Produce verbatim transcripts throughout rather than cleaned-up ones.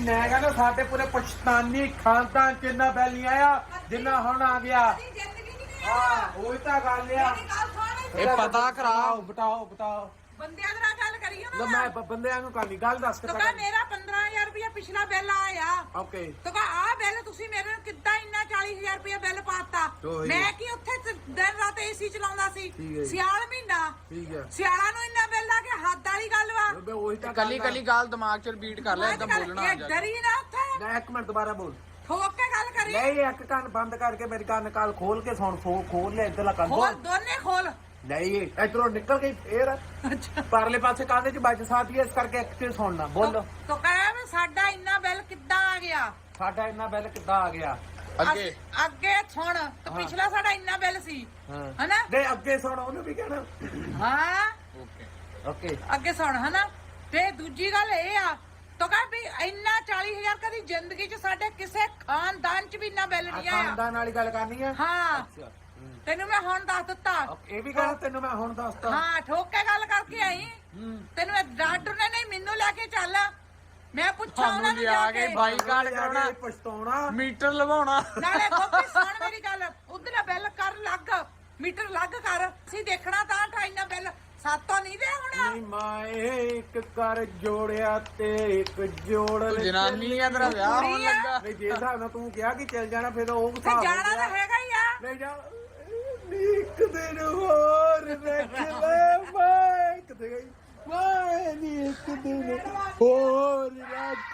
मैं कहना साडे पूरे पाकिस्तानी खानदान च इन्ना बैल नहीं आया जिन्ना हुण आ गया। हां ओही तां गल आ। ਇਹ ਪਤਾ ਕਰਾਓ बताओ बताओ ਬੰਦਿਆਂ ਨਾਲ ਗੱਲ ਕਰੀਏ लो ਨਾ मैं बंदे ਨੂੰ ਕਰਨੀ ਗੱਲ ਦੱਸ ਤੋ ਕਾ ਮੇਰਾ ਪੰਦਰਾਂ ਹਜ਼ਾਰ ਰੁਪਇਆ ਪਿਛਲਾ ਬਿੱਲ ਆਇਆ। ਓਕੇ ਤੋ ਕਾ ਆ ਬਿੱਲ ਤੁਸੀਂ ਮੇਰੇ ਨੂੰ ਕਿੱਦਾਂ ਇੰਨਾ ਚਾਲੀ ਹਜ਼ਾਰ ਰੁਪਇਆ ਬਿੱਲ ਪਾਤਾ। ਮੈਂ ਕੀ ਉੱਥੇ ਦਿਨ ਰਾਤ ਏਸੀ ਚਲਾਉਂਦਾ ਸੀ ਸਿਆਲ ਮਹੀਨਾ। ਠੀਕ ਹੈ ਸਿਆਲਾਂ ਨੂੰ ਇੰਨਾ ਬਿੱਲ ਆ ਕੇ ਹੱਦ ਵਾਲੀ ਗੱਲ ਵਾ। ਬੇ ਉਹੀ ਤਾਂ ਕੱਲੀ ਕੱਲੀ ਗੱਲ ਦਿਮਾਗ 'ਚ ਰਿਪੀਟ ਕਰ ਲੈ, ਏਦਾਂ ਬੋਲਣਾ ਆ ਜਾ। ਡਰੀ ਨਾ ਉੱਥੇ ਮੈਂ ਇੱਕ ਮਿੰਟ ਦੁਬਾਰਾ ਬੋਲ। ਠੋਕ ਕੇ ਗੱਲ ਕਰੀ। ਨਹੀਂ ਇੱਕ ਕੰਨ ਬੰਦ ਕਰਕੇ ਮੇਰੀ ਕੰਨ ਕਾਲ ਖੋਲ ਕੇ ਸੁਣ ਫੋ ਖੋਲ ਲੈ ਇੱਧਰਲਾ ਕੰਨ ਖੋਲ ਦੋਨੇ ਖੋਲ। ਨਹੀਂ ਇਧਰੋਂ ਨਿਕਲ ਗਈ ਫੇਰ ਪਰਲੇ ਪਾਸੇ ਕਾਹਦੇ ਚ ਵੱਜ ਸਾਥੀ ਇਸ ਕਰਕੇ ਇੱਕ ਤੇ ਸੁਣਨਾ ਬੋਲੋ। ਤੋ ਕਹੇ ਵੀ ਸਾਡਾ ਇੰਨਾ ਬਿੱਲ ਕਿੱਦਾਂ ਆ ਗਿਆ। ਸਾਡਾ ਇੰਨਾ ਬਿੱਲ ਕਿੱਦਾਂ ਆ ਗਿਆ ਅੱਗੇ ਅੱਗੇ ਸੁਣ ਤੇ ਪਿਛਲਾ ਸਾਡਾ ਇੰਨਾ ਬਿੱਲ ਸੀ ਹਨਾ। ਨਹੀਂ ਅੱਗੇ ਸੁਣ ਉਹਨੂੰ ਵੀ ਕਹਿਣਾ। ਹਾਂ ਓਕੇ ਓਕੇ ਅੱਗੇ ਸੁਣ ਹਨਾ। ਤੇ ਦੂਜੀ ਗੱਲ ਇਹ ਆ ਤੋ ਕਹ ਵੀ ਇੰਨਾ ਚਾਲੀ ਹਜ਼ਾਰ ਕਦੀ ਜ਼ਿੰਦਗੀ 'ਚ ਸਾਡੇ ਕਿਸੇ ਖਾਨਦਾਨ 'ਚ ਵੀ ਇੰਨਾ ਬਿੱਲ ਨਹੀਂ ਆਇਆ। ਖਾਨਦਾਨ ਵਾਲੀ ਗੱਲ ਕਰਨੀ ਆ। ਹਾਂ ਤੈਨੂੰ ਮੈਂ ਹੁਣ ਦੱਸ ਦਿੱਤਾ। ਇਹ ਵੀ ਗੱਲ ਤੈਨੂੰ ਮੈਂ ਹੁਣ ਦੱਸਦਾ। ਹਾਂ ਠੋਕ ਕੇ ਗੱਲ ਕਰਕੇ ਆਈ। ਤੈਨੂੰ ਇਹ ਡਾਕਟਰ ਨੇ ਨਹੀਂ ਮੈਨੂੰ ਲੈ ਕੇ ਚੱਲ ਮੈਂ ਪੁੱਛਾਂ ਉਹਨਾਂ ਨੂੰ ਜਾ ਕੇ ਬਾਈਕਾਟ ਕਰਾਉਣਾ, ਪਛਤਾਉਣਾ, ਮੀਟਰ ਲਵਾਉਣਾ। ਨਾਲੇ ਗੋਪੀ ਸੁਣ ਮੇਰੀ ਗੱਲ ਉਧਰ ਬਿੱਲ ਕਰ ਲੱਗ ਮੀਟਰ ਲੱਗ ਕਰ ਅਸੀਂ ਦੇਖਣਾ ਤਾਂ ਅਠਾਈ ਬਿੱਲ ਸਾਤੋਂ ਨਹੀਂ ਦੇ ਹੁਣ। ਨਹੀਂ ਮਾਏ ਇੱਕ ਕਰ ਜੋੜਿਆ ਤੇ ਇੱਕ ਜੋੜ ਤੂੰ ਜਨਾਨੀ ਆ, ਤੇਰਾ ਵਿਆਹ ਹੋਣ ਲੱਗਾ। ਨਹੀਂ ਜੇ ਹਿਸਾਬ ਨਾਲ ਤੂੰ ਕਿਹਾ ਕਿ ਚੱਲ ਜਾਣਾ ਫਿਰ ਉਹ ਤੇ ਜਾਣਾ ਤਾਂ ਹੈਗਾ ਹੀ ਆ। ਨਹੀਂ ਜਾ ਇੱਕ ਦਿਨ ਹੋਰ ਵੇਖ ਲੈ ਮੈਂ ਇੱਕ ਦਿਨ ਮੈਂ ਨੀ ਇੱਕ ਦਿਨ ਹੋਰ ਰੱਖ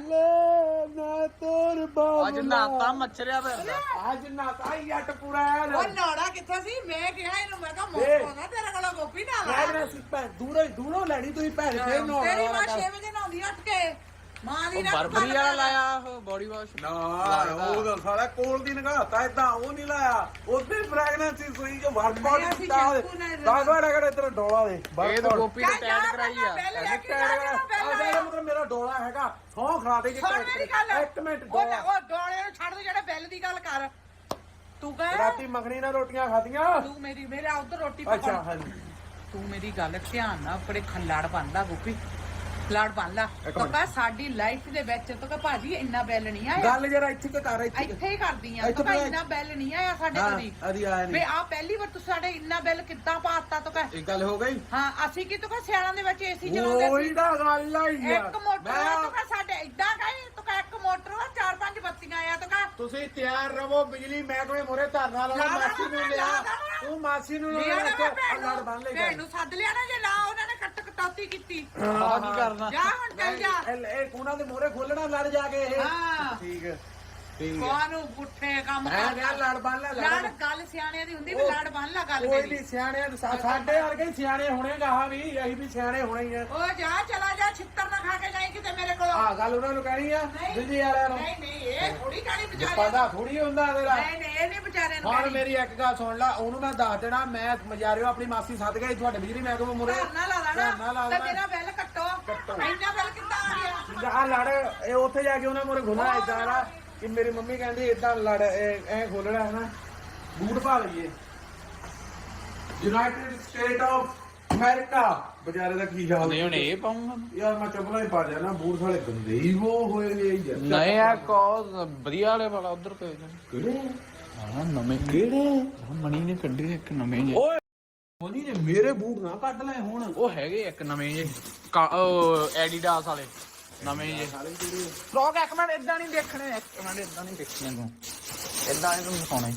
ਲੈ ਨਾ ਤੋਰ ਬਾਬਾ। ਅੱਜ ਨਾਤਾ ਮੱਛਰਿਆ ਪਿਆ। ਅੱਜ ਨਾਤਾ ਜੱਟ ਪੂਰਾ ਹੈ ਉਹ ਨਾੜਾ ਕਿੱਥੇ ਸੀ ਮੈਂ ਕਿਹਾ ਇਹਨੂੰ ਮੈਂ ਕਿਹਾ ਮੋਕੋ ਨਾ ਤੇਰੇ ਕੋਲ ਗੋਪੀ ਨਾ ਲਾ। ਮੈਂ ਸੀ ਭੈਣ ਦੂਰੋਂ ਦੂਰੋਂ ਲੈਣੀ ਤੁਸੀਂ ਭੈਣ ਫੇਰ ਨੋ ਤੇਰੀ ਮਾਂ ਛੇ ਵਜੇ ਨਹਾਉਂਦੀ ਉੱਠ ਕੇ ਮਾਂ ਦੀ ਨਾ ਬਰਬਰੀ ਵਾਲਾ ਲਾਇਆ ਉਹ ਬੋਡੀ ਵਾਸ਼ ਨਾ ਉਹ ਤਾਂ ਸਾਰਾ ਕੋਲ ਦੀ ਨਗਾਤਾ ਇਦਾਂ ਉਹ ਨਹੀਂ ਲਾਇਆ ਉਹਦੇ ਫ੍ਰੈਗਨੈਂਸ ਸੂਈ ਜੋ ਵਰਕਆਊਟ ਕੀਤਾ ਦਸ ਵਾਰ ਅਗਰ ਇਧਰ ਡੋਲਾ ਦੇ ਇਹ ਤਾਂ ਗੋਪੀ ਨੇ ਟੈਡ ਕਰਾਈ ਆ। ਮਤਲਬ ਮੇਰਾ ਡੋਲਾ ਹੈਗਾ ਸੌ ਖਾ ਦੇ ਇੱਕ ਮਿੰਟ ਉਹ ਡੋਲੇ ਨੂੰ ਛੱਡ ਦੇ ਜਿਹੜੇ ਬਿੱਲ ਦੀ ਗੱਲ ਕਰ ਤੂੰ ਕਹ ਰਾਤੀ ਮੱਖਣੀ ਨਾਲ ਰੋਟੀਆਂ ਖਾਧੀਆਂ ਤੂੰ ਮੇਰੀ ਮੇਰੇ ਉਧਰ ਰੋਟੀ ਅੱਛਾ ਪਕਾ ਹਾਂਜੀ ਤੂੰ ਮੇਰੀ ਗੱਲ ਧਿਆਨ ਨਾਲ ਬੜੇ ਖੱਲਾੜ ਬਣਦਾ ਗੋਪੀ ਖੱਲਾੜ ਬਣ ਲਾ ਤੋ ਕਹ ਸਾਡੀ ਲਾਈਫ ਦੇ ਵਿੱਚ ਤੋ ਕਹ ਭਾਜੀ ਇੰਨਾ ਬਿੱਲ ਨਹੀਂ ਆਇਆ। ਗੱਲ ਜਰਾ ਇੱਥੇ ਤੇ ਕਰ ਇੱਥੇ ਇੱਥੇ ਹੀ ਕਰਦੀ ਆ ਤੋ ਕਹ ਇੰਨਾ ਬਿੱਲ ਨਹੀਂ ਆਇਆ ਸਾਡੇ ਕਦੀ ਅਦੀ ਆਇਆ ਵੇ ਨਹੀਂ ਆ ਪਹਿਲੀ ਵਾਰ ਤੁਸੀਂ ਸਾਡੇ ਇੰਨਾ ਬਿੱਲ ਕਿੱਦਾਂ ਪਾਤਾ ਤੋ ਕਹ ਇਹ ਗੱਲ ਹੋ ਗਈ। ਹਾਂ ਅਸੀਂ ਕੀ ਤੋ ਕਹ ਸਿਆਲਾਂ ਦੇ ਵਿੱਚ ਏਸੀ ਚਲਾਉਂਦੇ ਉਹੀ ਤਾਂ ਗੱਲ ਆਈ ਸੀ ਇੱਕ ਮੋਟਰ ਤੋ ਕਹ ਸਾਡੇ ਇਦਾਂ ਕਹੇ ਤੋ ਕਹ ਇੱਕ ਮੋਟਰ ਵਾ ਚਾਰ ਪੰਜ ਬੱਤੀਆਂ ਆ ਤੋ ਕਹ ਤੁਸੀਂ ਤਿਆਰ ਰਹੋ ਬਿਜਲੀ ਮਹਿਕਮੇ ਮੋਰੇ ਧਰਨਾ ਲਾਓ ਮਾਸੀ ਨੂੰ ਲਿਆ ਤੂੰ ਮਾਸੀ ਨੂੰ ਲਿਆ ਲੜ ਬਣ ਲੈ ਭੈਣ ਨੂੰ ਸੱਦ ਲਿਆ ਨਾ ਜੇ ਨਾ ਉਹਨਾਂ ਨੇ ਕੱਟ ਕਟੌਤੀ ਕੀਤੀ ਆ ਕੀ ਕਰਨਾ। ਜਾ ਹੁਣ ਚੱਲ ਜਾ ਇਹ ਉਹਨਾਂ ਦੇ ਮੋਰੇ ਖੋਲਣਾ ਲੜ ਜਾ ਕੇ ਇਹ ਹਾਂ ਠੀਕ ਹੈ ਠੀਕ ਹੈ ਕੋਨੂੰ ਪੁੱਠੇ ਕੰਮ ਮੈਂ ਕਿਹਾ ਲੜ ਬਣ ਲੈ ਲੜ ਗੱਲ ਸਿਆਣਿਆਂ ਦੀ ਹੁੰਦੀ ਵੀ ਲੜ ਬਣ ਲਾ ਗੱਲ ਕੋਈ ਮੇਰੀ ਨਹੀਂ ਸਿਆਣਿਆਂ ਨੂੰ ਸਾ- ਸਾਡੇ ਵਰਗੇ ਹੀ ਸਿਆਣੇ ਹੋਣੇ ਗਾਹਾਂ ਵੀ ਅਸੀਂ ਵੀ ਸਿਆਣੇ ਹੋਣੇ ਹੀ ਆ। ਉਹ ਜਾ ਚਲਾ ਜਾ ਛਿੱਤਰ ਨਾ ਖਾ ਕੇ ਜਾਈ ਕਿਤੇ ਮੇਰੇ ਕੋਲ ਆਹ ਗੱਲ ਉਹਨਾਂ ਨੂੰ ਕਹਿਣੀ ਆ ਬਿਜਲੀ ਵਾਲਿਆਂ ਨੂੰ। ਨਹੀਂ ਨਹੀਂ ਇਹ ਥੋੜੀ ਕਾਣੀ ਵਿਚਾਰੇ ਪਤਾ ਥੋੜੀ ਹੁੰਦਾ ਤੇਰਾ। ਨਹੀਂ ਨਹੀਂ ਇਹ ਨਹੀਂ ਵਿਚਾਰੇ ਨੂੰ ਹੁਣ ਮੇਰੀ ਇੱਕ ਗੱਲ ਸੁਣ ਲੈ ਉਹਨੂੰ ਮੈਂ ਦੱਸ ਦੇਣਾ ਮੈਂ ਮਜਾਰਿਓ ਆਪਣੀ ਮਾਸੀ ਸੱਦ ਗਈ ਤੁਹਾਡੇ ਬਿਜਲੀ ਮਹਿਕਮੇ ਮੋਰੇ ਧਰਨਾ ਲਾ ਲੈਣਾ ਤੇ ਮੇਰਾ ਬਿੱਲ ਕੱਟੋ ਇੰਨਾ ਬਿੱਲ ਕਿੱਦਾਂ ਆ ਗਿਆ। ਆ ਲੜ ਇਹ ਉੱਥੇ ਜਾ ਕੇ ਉਹਨਾਂ ਮੋਰੇ ਖੋਲਣਾ ਏਦਾਂ ਦਾ ਕਿ ਮੇਰੀ ਮੰਮੀ ਕਹਿੰਦੀ ਏਦਾਂ ਲੜ ਐ ਖੋਲਣਾ ਹੈ ਨਾ ਬੂਟ ਪਾ ਲਈਏ ਯੂਨਾਈਟਿਡ ਸਟੇਟ ਆਫ ਅਮਰੀਕਾ ਵਿਚਾਰੇ ਦਾ ਕੀ ਹਾਲ ਨਹੀਂ ਹੁਣ ਇਹ ਪਾਉਂਗਾ ਯਾਰ ਮੈਂ ਚੱਪਲਾਂ ਹੀ ਪਾ ਜਾਣਾ ਬੂਟ ਸਾਲੇ ਗੰਦੇ ਹੀ ਉਹ ਹੋਏ ਨੇ ਯਾਰ। ਨਹੀਂ ਆ ਕੋ ਵਧੀਆ ਵਾਲੇ ਵਾਲਾ ਉਧਰ ਪਏ ਨੇ ਕਿਹੜੇ ਹਾਂ ਨਵੇਂ ਕਿਹੜੇ ਮਣੀ ਨੇ ਕੱਢੇ ਇੱਕ ਨਵੇਂ ਜੇ। ਓਏ ਮੋਨੀ ਨੇ ਮੇਰੇ ਬੂਟ ਨਾ ਕੱਢ ਲੈ ਹੁਣ ਉਹ ਹੈਗੇ ਇੱਕ ਨਵੇਂ ਜੇ ਉਹ ਐਡੀਡਾਸ ਵਾਲੇ ਨਵੇਂ ਜੇ ਫਰੋਕ। ਇੱਕ ਮਿੰਟ ਇਦਾਂ ਨਹੀਂ ਦੇਖਣੇ ਇੱਕ ਮਿੰਟ ਇਦਾਂ ਨਹੀਂ ਦੇਖਣੇ ਤੂੰ ਇਦਾਂ ਇਹਨੂੰ ਦਿਖਾਉਣਾ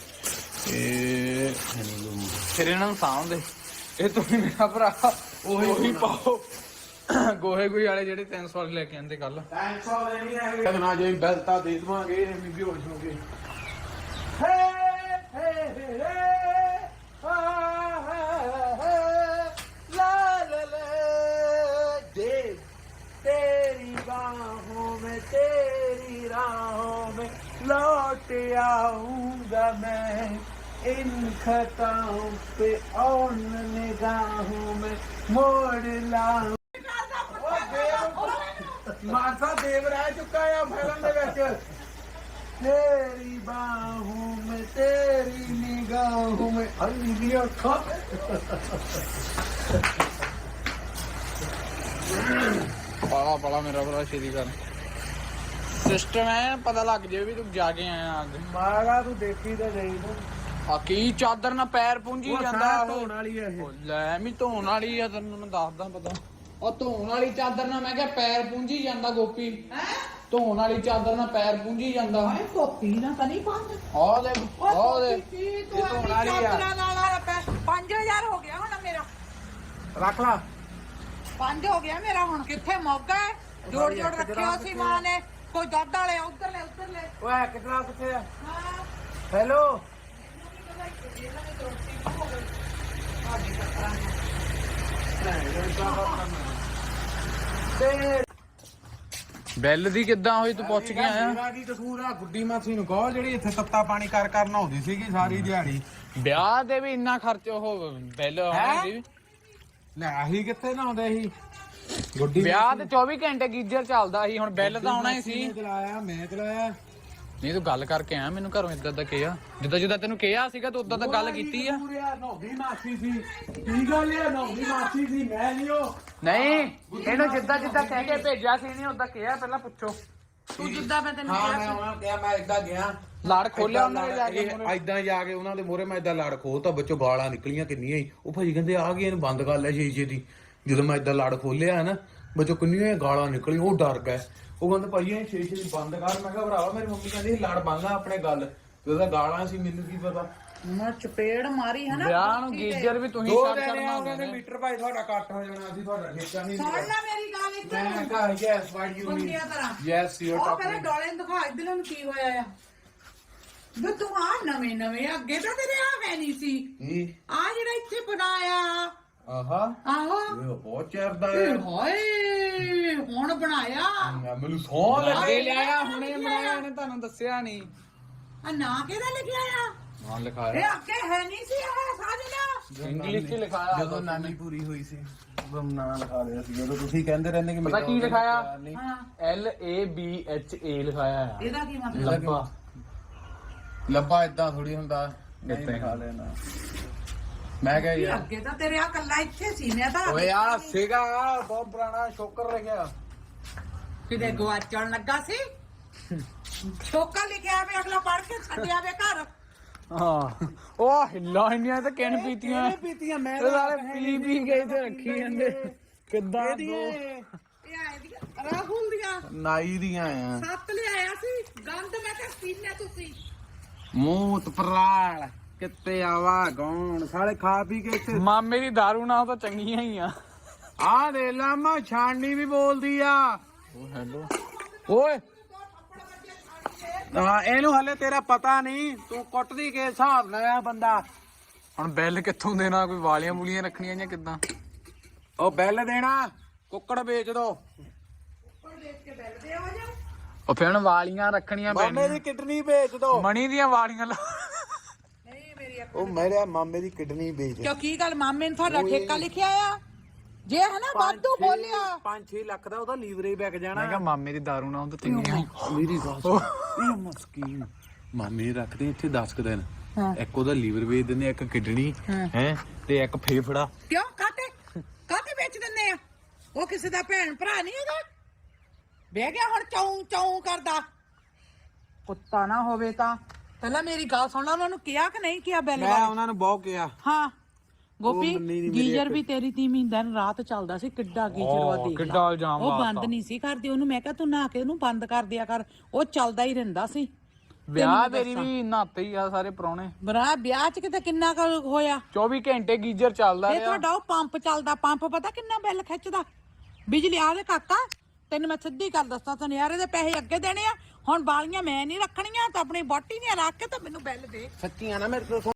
ਇਹ ਫਿਰ ਇਹਨਾਂ ਨੂੰ ਸਾਂਭਦੇ ਇਹ ਤੁਸੀਂ ਮੇਰਾ ਭਰਾ ਉਹੀ ਉਹੀ ਪਾਓ ਗੋਹੇ ਗੋਹੇ ਵਾਲੇ ਜਿਹੜੇ ਤਿੰਨ ਸੌ ਵਾਲੇ ਲੈ ਕੇ ਆਂਦੇ ਕੱਲ ਤਿੰਨ ਸੌ ਲੈਣੀ ਹੈ ਕਦਨਾ ਜੇ ਬੈਲਤਾ ਦੇ ਦਵਾਂਗੇ ਇਹ ਵੀ ਹੋਸ਼ ਹੋ ਗਏ ਹੇ ਹੇ ਹੇ ਹਾ ਲਾ ਲਾ ਲਾ ਦੇ तेरी बाहों में तेरी राहों में लौट आऊंगा मैं इन खताओं पे और निगाहों में मोड़ लाऊं। मासा देव रह चुका है फिल्म दे विच तेरी बाहों में तेरी निगाहों में अंधी अखां ਪਾਲਾ ਪਾਲਾ ਮੇਰਾ ਭਰਾ ਸ਼ੇਰੀ ਕਰ ਸਿਸਟਮ ਹੈ ਪਤਾ ਲੱਗ ਜੇ ਵੀ ਤੂੰ ਜਾ ਕੇ ਆਇਆ ਅੱਜ। ਮਾਗਾ ਤੂੰ ਦੇਖੀ ਤਾਂ ਜਾਈ ਤੂੰ। ਆ ਕੀ ਚਾਦਰ ਨਾਲ ਪੈਰ ਪੂੰਝੀ ਜਾਂਦਾ ਉਹ। ਧੋਣ ਵਾਲੀ ਆ ਇਹ। ਉਹ ਲੈ ਮੈਂ ਧੋਣ ਵਾਲੀ ਆ ਤੈਨੂੰ ਮੈਂ ਦੱਸਦਾ ਪਤਾ। ਉਹ ਧੋਣ ਵਾਲੀ ਚਾਦਰ ਨਾਲ ਮੈਂ ਕਿਹਾ ਪੈਰ ਪੂੰਝੀ ਜਾਂਦਾ ਗੋਪੀ। ਹੈ ਧੋਣ ਵਾਲੀ ਚਾਦਰ ਨਾਲ ਪੈਰ ਪੂੰਝੀ ਜਾਂਦਾ। ਓਏ ਕੋਪੀ ਨਾ ਤਾਂ ਨਹੀਂ ਪੰਜ ਆਹ ਦੇ ਆਹ ਦੇ ਤੂੰ ਇਹ ਧੋਣ ਵਾਲੀ ਆ। ਚਾਦਰਾਂ ਨਾਲ ਪੰਜ ਹਜ਼ਾਰ ਹੋ ਗਿਆ ਹੁਣ ਮੇਰਾ। ਰੱਖ ਲਾ। ਪੰਜ ਹੋ ਗਿਆ ਮੇਰਾ ਹੁਣ। ਕਿੱਥੇ ਮੌਕਾ ਹੈ? ਜੋੜ ਜੋੜ ਰੱਖਿਆ ਸੀ ਮਾਂ ਨੇ। ਕੋਈ ਦੁੱਧ ਵਾਲੇ ਉਧਰ ਲੈ ਉਧਰ ਲੈ। ਓਏ ਕਿਤਨਾ ਕਿੱਥੇ ਆ? ਹਾਂ ਹੈਲੋ ਤੇ ਬੈਲ ਦੀ ਕਿੱਦਾਂ ਹੋਈ ਤੂੰ ਪੁੱਛ ਕੇ ਆਇਆ? ਮੇਰਾ ਕੀ ਕਸੂਰ ਆ? ਗੁੱਡੀ ਮਾਸੀ ਨੂੰ ਕਹੋ ਜਿਹੜੀ ਇੱਥੇ ਤੱਤਾ ਪਾਣੀ ਕਰ ਕਰ ਨਹਾਉਂਦੀ ਸੀਗੀ ਸਾਰੀ ਦਿਹਾੜੀ। ਵਿਆਹ ਦੇ ਵੀ ਇੰਨਾ ਖਰਚ ਉਹ ਬੈਲ ਹੋਣੀ। ਲੈ ਆਹੀ ਕਿੱਥੇ ਨਹਾਉਂਦੇ ਸੀ ਗੁੱਡੀ ਵਿਆਹ ਤੇ ਚੌਵੀ ਘੰਟੇ ਗੀਜ਼ਰ ਚੱਲਦਾ ਸੀ। ਹੁਣ ਬਿੱਲ ਤਾਂ ਆਉਣਾ ਹੀ ਸੀ। ਮੈਂ ਚਲਾਇਆ ਮੈਂ ਚਲਾਇਆ। ਨਹੀਂ ਤੂੰ ਗੱਲ ਕਰਕੇ ਆਇਆ ਮੈਨੂੰ ਘਰੋਂ ਇਦਾਂ ਦਾ ਕਿਹਾ ਜਿੱਦਾਂ ਜਿੱਦਾਂ ਤੈਨੂੰ ਕਿਹਾ ਸੀਗਾ ਤੂੰ ਉਦਾਂ ਤਾਂ ਗੱਲ ਕੀਤੀ ਆ। ਨਹਾਉਂਦੀ ਮਾਸੀ ਸੀ। ਕੀ ਗੱਲ ਆ? ਨਹਾਉਂਦੀ ਮਾਸੀ ਸੀ ਮੈਂ ਨਹੀਂ ਉਹ। ਨਹੀਂ ਇਹਨੂੰ ਜਿੱਦਾਂ ਜਿੱਦਾਂ ਕਹਿ ਕੇ ਭੇਜਿਆ ਸੀ ਨਹੀਂ ਉਦਾਂ ਕਿਹਾ ਪਹਿਲਾਂ ਪੁੱਛੋ। ਤੂੰ ਜਿੱਦਾਂ ਮੈਂ ਤੈਨੂੰ ਹਾਂ ਕਿਹਾ ਮੈਂ ਸੀ। ਉਹਨਾਂ ਨੂੰ ਕਿਹਾ ਮੈਂ ਏਦਾਂ ਗਿਆ ਲੜ ਖੋਲਿਆ ਉਹਨਾਂ ਨੇ ਜਾ ਕੇ ਮੂਹਰੇ। ਏਦਾਂ ਜਾ ਕੇ ਉਹਨਾਂ ਦੇ ਮੂਹਰੇ ਮੈਂ ਏਦਾਂ ਲੜ ਖੋਲਤਾ ਬੱਚੋ ਗਾਲਾਂ ਨਿਕਲੀਆਂ ਕਿੰਨੀਆਂ ਹੀ। ਉਹ ਭਾਜੀ ਕਹਿੰਦੇ ਆ ਗਈ ਇਹਨੂੰ ਬੰਦ ਕਰ ਲੈ ਸ਼ੀਸ਼ੇ ਦੀ। ਜਦੋਂ ਮੈਂ ਏਦਾਂ ਲੜ ਖੋਲਿਆ ਨਾ ਬੱਚੋ ਕਿੰਨੀਆਂ ਗਾਲਾਂ ਨਿਕਲੀ। ਉਹ ਡਰ ਗਏ। ਉਹ ਕਹਿੰਦੇ ਭਾਈ ਇਹ ਸ਼ੀਸ਼ੇ ਦੀ ਬੰਦ ਕਰ। ਮੈਂ ਕਿਹਾ ਭਰਾਵਾ ਮੇਰੀ ਮੰਮੀ ਕਹਿੰਦੀ ਲੜ ਬੰਦਾ ਆਪਣੇ ਗੱਲ ਤੇ ਉਹਦਾ ਗਾਲਾਂ ਸੀ ਮੈਨੂੰ ਕੀ ਪਤਾ। ਮੈਂ ਚਪੇੜ ਮਾਰੀ ਹੈ ਨਾ। ਵਿਆਹ ਨੂੰ ਗੀਜ਼ਰ ਵੀ ਤੁਸੀਂ ਦੋ ਛੱਡ ਦਿਨ ਛੱਡਣਾ ਉਹਨਾਂ ਨੇ ਹੁੰਦਾ। ਮੀਟਰ ਭਾਈ ਤੁਹਾਡਾ ਕੱਟ ਹੋ ਜਾਣਾ ਸੀ। ਤੁਹਾਡਾ ਠੇਕਾ ਨਹੀਂ ਸੁਣ ਲੈ ਮੇਰੀ ਗੱਲ ਇੱਧਰ ਮੈਂ ਨੂੰ। ਕਹਾ ਯੈਸ ਵਾਟ ਯੂ ਮੀਨ ਬੰਦਿਆਂ ਤਰ੍ਹਾਂ। ਯੈਸ ਯੂ ਆਰ ਉਹ ਪਹਿਲਾਂ ਟਾਕਿੰਗ। ਡੋਲੇ ਨੂੰ ਦਿਖਾ ਇੱਧਰ ਨੂੰ ਕੀ ਹੋਇਆ ਆ। ਵੇ ਤੂੰ ਆ ਨਵੇਂ ਨਵੇਂ ਅੱਗੇ ਤਾਂ ਤੇਰੇ ਆ ਹੈ ਨਹੀਂ ਸੀ। ਆ ਜਿਹੜਾ ਇੱਥੇ ਬਣਾਇਆ ਆਹਾ ਆਹੋ ਇਹ ਬਹੁਤ ਚਿਰਦਾ ਹੈ। ਹਾਏ ਹੁਣ ਬਣਾਇਆ ਮੈਨੂੰ ਸੌਂ ਅੱਗੇ ਲਿਆਇਆ ਹੁਣੇ ਬਣਾਇਆ ਇਹਨੇ ਤੁਹਾਨੂੰ ਦੱਸਿਆ ਨਹੀਂ। ਆ ਨਾਂ ਕਿਹਦਾ ਲਿਖਿਆ ਆ? ਹਾਂ ਇਹ ਲਿਖਾਇਆ ਅੱਗੇ ਹੈ ਨਹੀਂ ਸੀ ਇਹ ਸਾਜਣਾ। ਇੰਗਲਿਸ਼ ਚ ਲਿਖਾਇਆ ਜਦੋਂ ਨਾਨੀ ਪੂਰੀ ਹੋਈ ਸੀ ਉਦੋਂ ਨਾਂ ਲਿਖਾ ਲਿਆ ਸੀ। ਜਦੋਂ ਤੁਸੀਂ ਕਹਿੰਦੇ ਰਹਿੰਦੇ ਕਿ ਪਤਾ ਕੀ ਲਿਖਾਇਆ? ਹਾਂ L A B H A ਲਿਖਾਇਆ ਆ। ਇਹਦਾ ਕੀ ਮਤਲਬ? ਲੱਭਾ ਲੱਭਾ ਇਦਾਂ ਥੋੜੀ ਹੁੰਦਾ। ਨਹੀਂ ਕਿੱਥੇ? ਲਿਖਾ ਲੈਣਾ। ਮੈਂ ਕਿਹਾ ਵੀ ਯਾਰ ਅੱਗੇ ਤਾਂ ਤੇਰੇ ਆ ਕੱਲਾ ਇੱਥੇ ਸੀ ਮੈਂ ਤਾਂ ਓਏ ਆ ਸੀਗਾ ਬਹੁਤ ਪੁਰਾਣਾ ਸ਼ੋਕਰ ਰਹਿ ਗਿਆ। ਕਿਤੇ ਗਵਾਚਣ ਲੱਗਾ ਸੀ। ਛੋਕਾ ਲਿਖਿਆ ਵੇ ਅਗਲਾ ਪੜ ਕੇ ਛੱਡਿਆ ਵੇ ਘਰ। ਹਾਂ ਉਹ ਹਿੱਲਾ ਇੰਨੀਆਂ ਤੇ ਕਿਨ ਪੀਤੀਆਂ ਪੀਤੀਆਂ ਮੈਂ ਇਹ ਸਾਰੇ ਪੀ ਪੀ ਗਏ ਤੇ ਰੱਖੀ ਜਾਂਦੇ ਕਿੱਦਾਂ ਦੋ ਇਹ ਆਏ ਦੀਆਂ ਰਾਹੁਲ ਦੀਆਂ ਨਾਈ ਦੀਆਂ ਆ ਸੱਤ ਲਿਆਇਆ ਸੀ ਗੰਦ ਮੈਂ ਕਿਹਾ ਪੀਨੇ ਤੁਸੀਂ। ਮੂਤ ਪਰਾਲ ਕਿੱਤੇ ਆਵਾ ਗੌਣ ਸਾਲੇ ਖਾ ਪੀ ਕੇ ਇੱਥੇ ਮਾਮੇ ਦੀ ਦਾਰੂ ਨਾਲ ਤਾਂ ਚੰਗੀਆਂ ਹੀ ਆ। ਆ ਦੇ ਲਾਮਾ ਛਾਣਨੀ ਵੀ ਬੋਲਦੀ ਆ। ਉਹ ਹੈਲੋ ਓਏ ਹਾਂ ਇਹਨੂੰ ਹਲੇ ਤੇਰਾ ਪਤਾ ਨਹੀਂ। ਤੂੰ ਕੁੱਟਦੀ ਕੇ ਹਿਸਾਬ ਨਾਲ ਆ ਬੰਦਾ। ਹੁਣ ਬਿੱਲ ਕਿੱਥੋਂ ਦੇਣਾ? ਕੋਈ ਵਾਲੀਆਂ ਬੁਲੀਆਂ ਰੱਖਣੀਆਂ ਜਾਂ ਕਿੱਦਾਂ? ਉਹ ਬਿੱਲ ਦੇਣਾ ਕੁੱਕੜ ਵੇਚ ਦੋ। ਉਹ ਫਿਰ ਵਾਲੀਆਂ ਰੱਖਣੀਆਂ ਮਾਮੇ ਪੈਣੀਆਂ। ਦੀ ਕਿਡਨੀ ਵੇਚ ਦੋ। ਮਣੀ ਦੀਆਂ ਵਾਲੀਆਂ ਲਾ ਨਹੀਂ ਮੇਰੀ ਉਹ ਮੇਰੇ ਮਾਮੇ ਦੀ ਕਿਡਨੀ ਵੇਚ। ਕਿਉਂ ਕੀ ਗੱਲ ਮਾਮੇ ਨੇ ਤੁਹਾਡਾ ਠੇਕਾ ਲਿਖਿਆ ਆ? ਜੇ ਹੈ ਨਾ ਵਾਧੂ ਬੋਲਿਆ ਪੰਜ ਛੇ ਲੱਖ ਦਾ ਉਹਦਾ ਲੀਵਰੇਜ ਵਿਕ ਜਾਣਾ। ਮੈਂ ਕਿਹਾ ਮਾਮੇ ਦੀ ਦਾਰੂ ਨਾਲ ਤਾਂ ਚੰਗੀਆਂ ਹੀ। ਮੇਰੀ ਗੱਲ ਸੁਣ ਇਹ ਮਸਕੀਨ ਮਾਮੇ ਰੱਖਦੇ ਇੱਥੇ ਦਸ ਕੁ ਦਿਨ। ਇੱਕ ਉਹਦਾ ਲੀਵਰ ਵੇਚ ਦਿੰਦੇ ਇੱਕ ਕਿਡਨੀ ਹੈ ਤੇ ਇੱਕ ਫੇਫੜਾ। ਕਿਉਂ ਕਾਤੇ ਕਾਤੇ ਵੇਚ ਦਿੰਦੇ ਆ? ਉਹ ਕਿਸੇ ਦਾ ਭੈਣ ਭਰਾ ਨਹੀਂ ਹੈਗਾ? ਬਹਿ ਗਿਆ ਹੁਣ ਚੌਂ ਚੌਂ ਕਰਦਾ। ਕੁੱਤਾ ਨਾ ਹੋਵੇ ਤਾਂ ਪਹਿਲਾਂ ਮੇਰੀ ਗੱਲ ਸੁਣ ਲੈ। ਉਹਨਾਂ ਨੂੰ ਕਿਹਾ ਕਿ ਨਹੀਂ ਕਿਹਾ ਬਿੱਲ ਮੈਂ ਬਾਰੇ? ਉਹਨਾਂ ਨੂੰ ਬਹੁਤ ਕਿਹਾ। ਹਾਂ ਗੋਪੀ ਮੰਨੀ ਨੀ ਮੇਰੀ ਗੀਜ਼ਰ ਇੱਕ। ਵੀ ਤੇਰੀ ਤੀਵੀਂ ਦਿਨ ਰਾਤ ਚੱਲਦਾ ਸੀ। ਕਿੱਡਾ ਗੀਜ਼ਰ ਵਾ ਓ, ਦੇਖ ਲਾ। ਕਿੱਡਾ ਇਲਜ਼ਾਮ ਉਹ ਲਾਤਾ। ਬੰਦ ਨਹੀਂ ਸੀ ਕਰਦੀ। ਉਹਨੂੰ ਮੈਂ ਕਿਹਾ ਤੂੰ ਨਹਾ ਕੇ ਉਹਨੂੰ ਬੰਦ ਕਰ ਦਿਆ ਕਰ। ਉਹ ਚੱਲਦਾ ਹੀ ਰਹਿੰਦਾ ਸੀ। ਵਿਆਹ ਤੇਰੀ ਵੀ ਨਹਾਤੇ ਹੀ ਆ ਸਾਰੇ ਪ੍ਰਾਹੁਣੇ। ਬਰਾ ਵਿਆਹ ਚ ਕਿਤੇ ਕਿੰਨਾ ਕੁ ਹੋਇਆ? ਚੌਵੀ ਘੰਟੇ ਗੀਜ਼ਰ ਚੱਲਦਾ ਇਹ ਰਿਹਾ। ਤੁਹਾਡਾ ਉਹ ਪੰਪ ਚੱਲਦਾ। ਪੰਪ ਪਤਾ ਕਿੰਨਾ ਬਿੱਲ ਖਿੱਚਦਾ? ਬਿਜਲੀ ਆ ਦੇ ਕਾਕਾ ਤੈਨੂੰ ਮੈਂ ਸਿੱਧੀ ਗੱਲ ਦੱਸਾਂ। ਸੁਨਿਆਰੇ ਦੇ ਪੈਸੇ ਅੱਗੇ ਦੇਣੇ ਆ। ਹੁਣ ਬਾਲੀਆਂ ਮੈਂ ਨਹੀਂ ਰੱਖਣੀਆਂ ਤਾਂ ਆਪਣੀ ਬੋਟੀ ਦੀਆਂ ਰੱਖ ਕੇ ਤਾਂ ਮੈਨੂੰ ਬਿੱਲ ਦੇ। ਸੱਚੀਆਂ ਨਾ ਮੇਰੇ ਤੋਂ